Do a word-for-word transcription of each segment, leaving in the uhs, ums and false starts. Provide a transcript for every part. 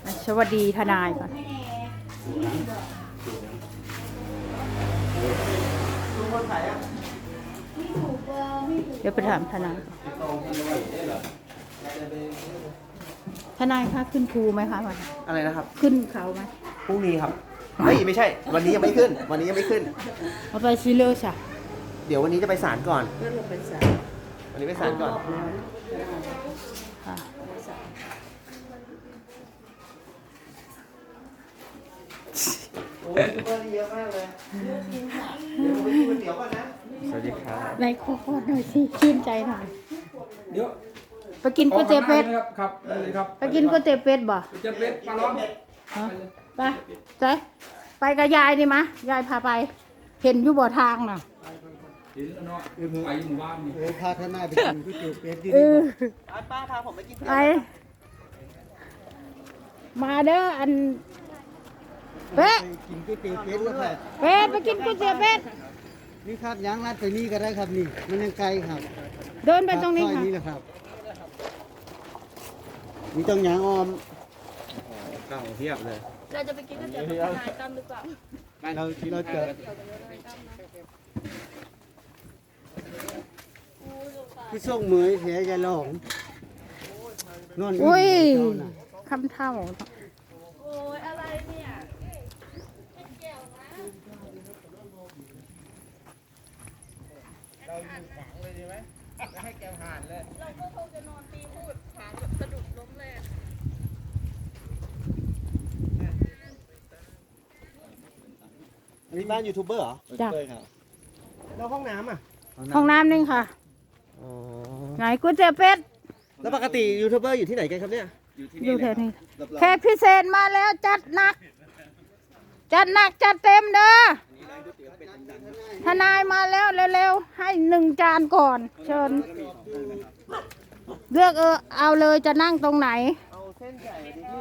สวัสดีทนายก่อนเดี๋ยวไปถามทนายทนายคะขึ้นภูไหมคะวันอะไรนะครับขึ้นเขาไหมพรุ่งนี้ครับเฮ้ยไม่ใช่ วันนี้ยังไม่ขึ้น วันนี้ยังไม่ขึ้นเอาไปซิเลอร์จ้ะเดี๋ยววันนี้จะไปศาลก่อนเพื่อนเราเป็นสาววันนี้ไปศาลก่อนค่ะโอ้ยซุปเปอร์เยอะมากเลยเดี๋ยวผมไปกินก๋วยเตี๋ยวก่อนนะสวัสดีครับในโคตรหน่อยสิชื่นใจหน่อยเดี๋ยวไปกินก๋วยเตี๋ยวเป็ดครับครับได้เลยครับไปกินก๋วยเตี๋ยวเป็ดบ่ก๋วยเตี๋ยวเป็ดปลาล้อมฮะไปใจไปกับยายดิมะยายพาไป เห็นอยู่บ่อทางน่ะเดี๋ยวเนาะเดี๋ยวไปหมู่บ้านนี่เออพาท่านนายไปกินก๋วยเตี๋ยวเป็ดที่เอนี่อป้าพาผมไปกินไปมาเด้ออันเป๊ะไปกินก๋วยเตี๋ยวเป็ดแล้วค่ะเป็ดไปกินก๋วยเตี๋ยวเป็ดนี่ครับยางรัดไปนี่ก็ได้ครับนี่ มันยังไกลครับเดินไปตรงนี้ซอยค่ะนี้แหละครับมีต้องยางออมเก่าเทียบเลยเราจะไปกินก๋วยเตี๋ยวกับทนายตั้มหรือเปล่าเราเราจะผู้ส่งเหมยเสียยาหลงนอนอุ้ยเจ้าน่ะคำเท่าโอ้ยอะไรเนี่ย เราก็คงจะนอนตีพูดขาแบบสะดุดล้มเลยอันนี้บ้านยูทูบเบอร์เหรอจ้ะแล้วห้องน้ำอ่ะห้องน้ำนึงค่ะอ๋อไหนก๋วยเตี๋ยวเป็ดแล้วปกติยูทูบเบอร์อยู่ที่ไหนกันครับเนี่ยอยู่แถวนี้แขกพิเศษมาแล้วจัดหนัก จัดหนักจัดเต็มเด้อทนายมาแล้วเร็วๆให้หนึ่งจานก่อน เชิญ เลือกเออเอาเลยจะนั่งตรงไหนเอาเส้นใหญ่ดิพี่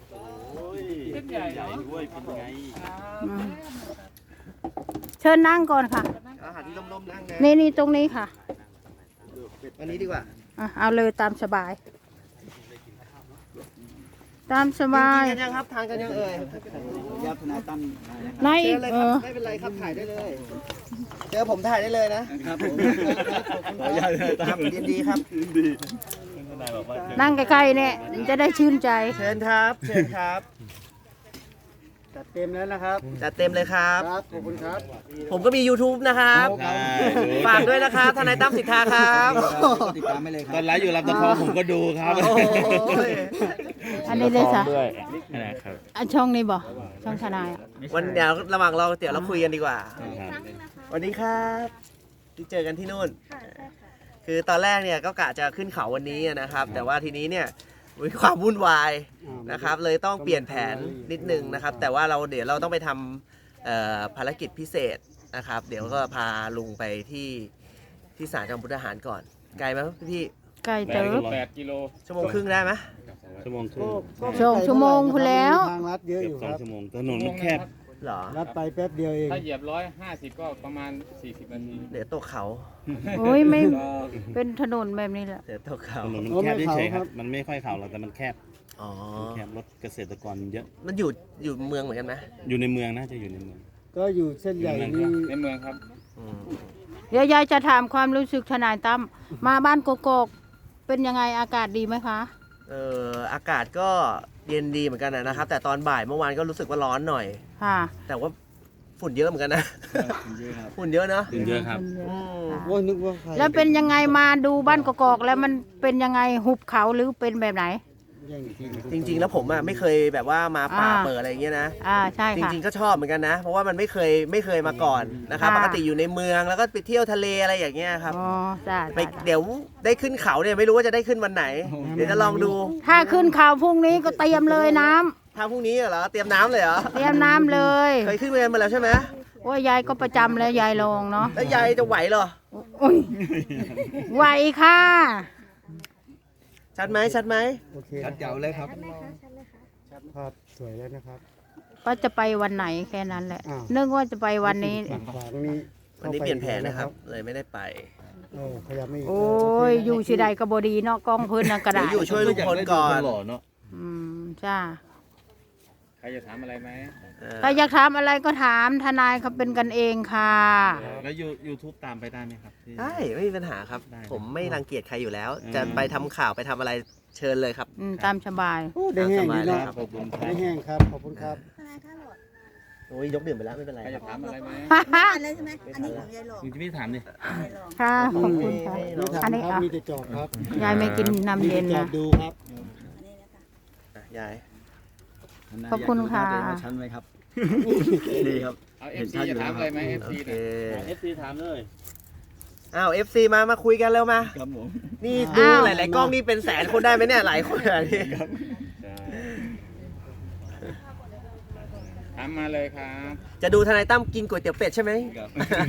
อืมเชิญนั่งก่อนค่ะอาหารที่ร่มๆนั่งนะนี่นี่ตรงนี้ค่ะอันนี้ดีกว่าอ่ะเอาเลยตามสบาย ตามสบายกินกันยังครับทานกันยังเอ่ยยับทนายตั้มในเจอเลยเอครับอไม่เป็นไรครับถ่ายได้เลย เจอผมถ่ายได้เลยนะครับผมครับยินดีครับนั่งใกล้ๆเนี่ยจะได้ชื่นใจเชิญครับเชิญครับจัดเต็มแล้วนะครับจัดเต็มเลยครับครับ ขอบคุณครับผมก็มี YouTube นะครับ ฝากด้วยนะครับทนายตั้มสิทธาครับติดตามไม่เลยคตรัอบ นไลฟ์อยู่ลำตะคองผมก็ดูครับโอ้ยอันนี้เลยจ้ะด้วยนะครับอันช่องนี้บ่ช่องทนายอ่ะวันเดี๋ยวระหว่างเราเดี๋ยวเราคุยกันดีกว่าครับวันนี้ครับที่เจอกันที่นู่น คือตอนแรกเนี่ยก็กะจะขึ้นเขาวันนี้นะครับ แต่ว่าทีนี้เนี่ยมีความวุ่นวายนะครับ เลยต้องเปลี่ยนแผนนิดนึงนะครับ แต่ว่าเราเดี๋ยวเราต้องไปทำเอ่อภารกิจพิเศษนะครับ เดี๋ยวก็พาลุงไปที่ที่ศาลจังหวัดมุกดาหารก่อน ไกลไหมพี่ไกลเติบแปดกิโลชั่วโมงครึ่งได้ไหมชั่วโมงครึ่งสองชั่วโมงพูดแล้วทางลัดเยอะเกืออบยู่สคองรับชั่วโมงถนนมันแคบเหรอลัดไปแป๊บเดียวเองถ้าเหยียบร้อยห้าสิบก็ประมาณสี่สิบนาทีเดี๋ยวตกเขาโอ้ยไม่เป็นถนนแบบนี้แหละเดี๋ยวตกเขาถนนมันแคบเฉยๆครับ มันไม่ค่อยเข่าหรอกแต่มันแคบอ๋อมันแคบรถเกษตรกรเยอะมันอยู่อยู่เมืองเหมือนกันไหมอยู่ในเมืองนะจะอยู่ในเมืองก็อยู่เส้นใหญ่นี่ในเมืองครับอืมเดี๋ยวยายจะถามความรู้สึกทนายตั้มมาบ้านโกโกกเป็นยังไงอากาศดีไหมคะเอ่ออากาศก็เย็นดีเหมือนกันนะครับ แต่ตอนบ่ายเมื่อวานก็รู้สึกว่าร้อนหน่อยค่ะแต่ว่าฝุ่นเยอะเหมือนกันนะ ฝุ่นเยอะเนอะถึงเยอะครับอืมค่ะโอ้ยนึกว่าใครแล้วเป็นยังไงมาดูบ้านโกโกกแล้วมันเป็นยังไงหุบเขาหรือเป็นแบบไหนแย่งที่จริง ๆ แล้วผมอ่ะไม่เคยแบบว่ามาป่าอ่าเปิดอะไรอย่างเงี้ยนะอ่าใช่จค่ะริง ๆ ก็ชอบเหมือนกันนะ เพราะว่ามันไม่เคยไม่เคยมาก่อนนะครับค่ะปกติอยู่ในเมืองแล้วก็ไปเที่ยวทะเลอะไรอย่างเงี้ยครับอ๋อจ้าไปเดี๋ยวได้ขึ้นเขาเนี่ยไม่รู้ว่าจะได้ขึ้นวันไหน เดี๋ยวจะลองดูถ้าขึ้นเขาพรุ่งนี้ก็เตรียมเลยน้ำถ้าพรุ่งนี้เหรอเตรียมน้ำเลยเหรอเตรียมน้ำเลยเคยขึ้นไปกันมาแล้วใช่ไหมโอ้ยยายก็ประจำแล้วยายลงเนาะแล้วยายจะไหวเหรอโอ้ยไหวค่ะชัดไหมชัดไหมโอเคชัดเจ๋วเลยครับภาพสวยแล้วนะครับว่าจะไปวันไหนแค่นั้นแหละอ้าวนึกว่าจะไปวันนี้ฝั่งขวาตรงนี้วันนี้เปลี่ยนแผนนะครับ เลยไม่ได้ไปเออขยับไม่กโอ้ยอยู่สิใดก็บดีเนาะกล้องเพื้นนั่นก็เดี๋ได้ยวอยู่ช่วยลุงพลก่อนหล่อเนาะอืมจ้ารจะถามอะไรไหมเออใครอยากถามอะไรก็ถามทนายเขาเป็นกันเองค่ะแล้วยูยูทูบตามไปได้ไหมครับที่ได้ไม่มีปัญหาครับได้ผมไม่รังเกียจใครอยู่แล้วอืมจะไปทำข่าวไปทำอะไรเชิญเลยครับอืมตามสบายโอ้ได้แห้งดีเนาะครับขอบคุณครัได้บแห้งครับ ขอบคุณครับทนายคะหลอดโอ้ยยกดื่มไปแล้วไม่เป็นไรใครคจะรับถามอะไรไหมไม่ทันแล้วใช่ไหมอันนี้ของยายหลอดคุณจะไม่ถามดิยายหลอดค่ะ ขอบคุณค่ะไม่ถามอันนี้ครับอ่ะมีแต่จอดครับยายไม่กินน้ำมีเย็แต่นจอนะดดูครับอันนี้นะคะอ่ะยายขอบคุณค่ะชั้นไหมครับ ดีครับเอาเอฟซีจะถามอะไรไหมเอฟโอซีเคนะเอฟซีถามเลยอ้าว เอฟ ซี มามาคุยกันเร็วมาครับผมนี่ดูอ้าวหลายๆกล้องนี่เป็นแสนคนได้ไหมเนี่ยหลายคนอ่ะนี่ใช่ถามมาเลยครับจะดูทนายตั้มกินก๋วยเตี๋ยวเป็ดใช่ไหมครับ